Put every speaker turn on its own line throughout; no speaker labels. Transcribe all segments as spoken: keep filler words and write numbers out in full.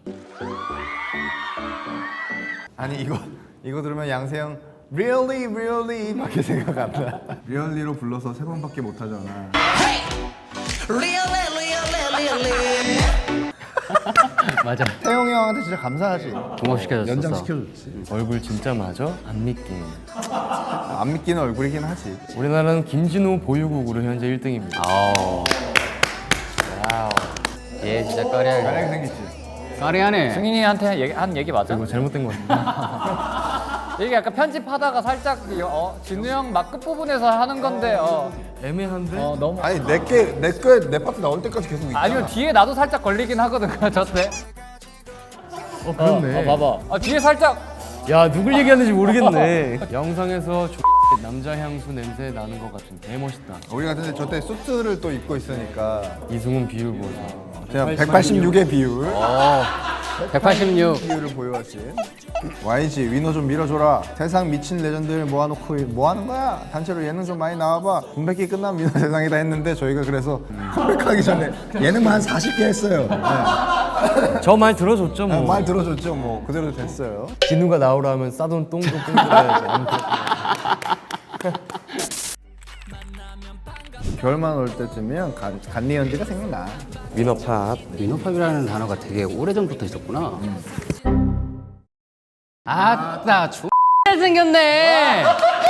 아니 이거 이거 들으면 양세형 really really 밖에 생각 안 나. really로 불러서 세 번밖에 못 하잖아.
맞아.
태용이 형한테 진짜 감사하지.
종업시켜줬어.
연장시켜줬지.
얼굴 진짜 맞아? 안 믿긴.
안 믿기는 얼굴이긴 하지.
우리나라는 김진호 보유국으로 현재 일 등입니다.
아우. 와우. 얘 진짜 까리하게.
만약에 생겼지.
까리하네.
승인이한테 얘기, 한 얘기 맞아?
이거 잘못된 거 같아.
이게 약간 편집하다가 살짝 어, 진우 형 막 끝부분에서 하는 건데 어,
애매한데?
어 너무
아니 내게내거내 파트 나올 때까지 계속 있잖아.
아니요 뒤에 나도 살짝 걸리긴 하거든 저때
어 그렇네.
어 봐봐 아, 뒤에 살짝
야 누굴 얘기하는지 모르겠네. 영상에서 X 남자 향수 냄새 나는 것 같은 개 멋있다.
우리 같은데 저때 수트를 또 입고 있으니까
이승훈 비율 보자.
그냥 백팔십육의 비율
백팔십육.
비율을 보여왔지. 와이지 위너 좀 밀어줘라. 세상 미친 레전드를 모아놓고 뭐 하는 거야? 단체로 예능 좀 많이 나와봐. 공백기 끝나면 위너 세상이다 했는데 저희가 그래서 컴백하기 전에 예능만 한 사십 개 했어요. 네.
저 말 들어줬죠 뭐.
아, 말 들어줬죠. 뭐 그대로 됐어요.
진우가 나오라 하면 싸돈 똥도 똥들어야지.
겨울만 올 때쯤이면 간, 간니언지가 생각나.
위너팝.
위너팝이라는 단어가 되게 오래전부터 있었구나. 아따 X 생겼네.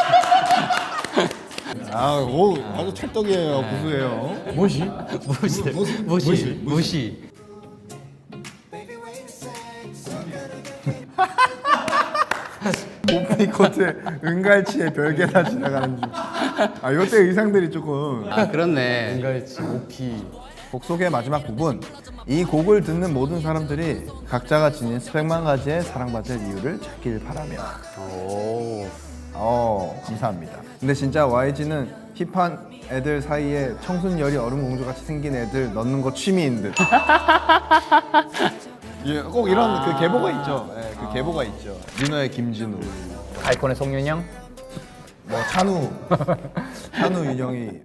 아, 오, 아주 찰떡이에요. 구수해요.
뭐시?
무시. 무시. 무시.
오프닝 코트 은갈치에 별개 다 지나가는 중. 아, 이때 의상들이 조금.
아 그렇네.
은갈치, 오피.
곡 소개 마지막 부분. 이 곡을 듣는 모든 사람들이 각자가 지닌 수백만 가지의 사랑받을 이유를 찾길 바라며.
오.
어, 감사합니다. 근데 진짜 와이지는 힙한 애들 사이에 청순열이 얼음공주 같이 생긴 애들 넣는 거 취미인 듯. 예, 꼭 이런 그 계보가 있죠. 예, 그 계보가 있죠. 민호의 김진우,
아이콘의 송윤영
뭐 찬우, 찬우 윤영이.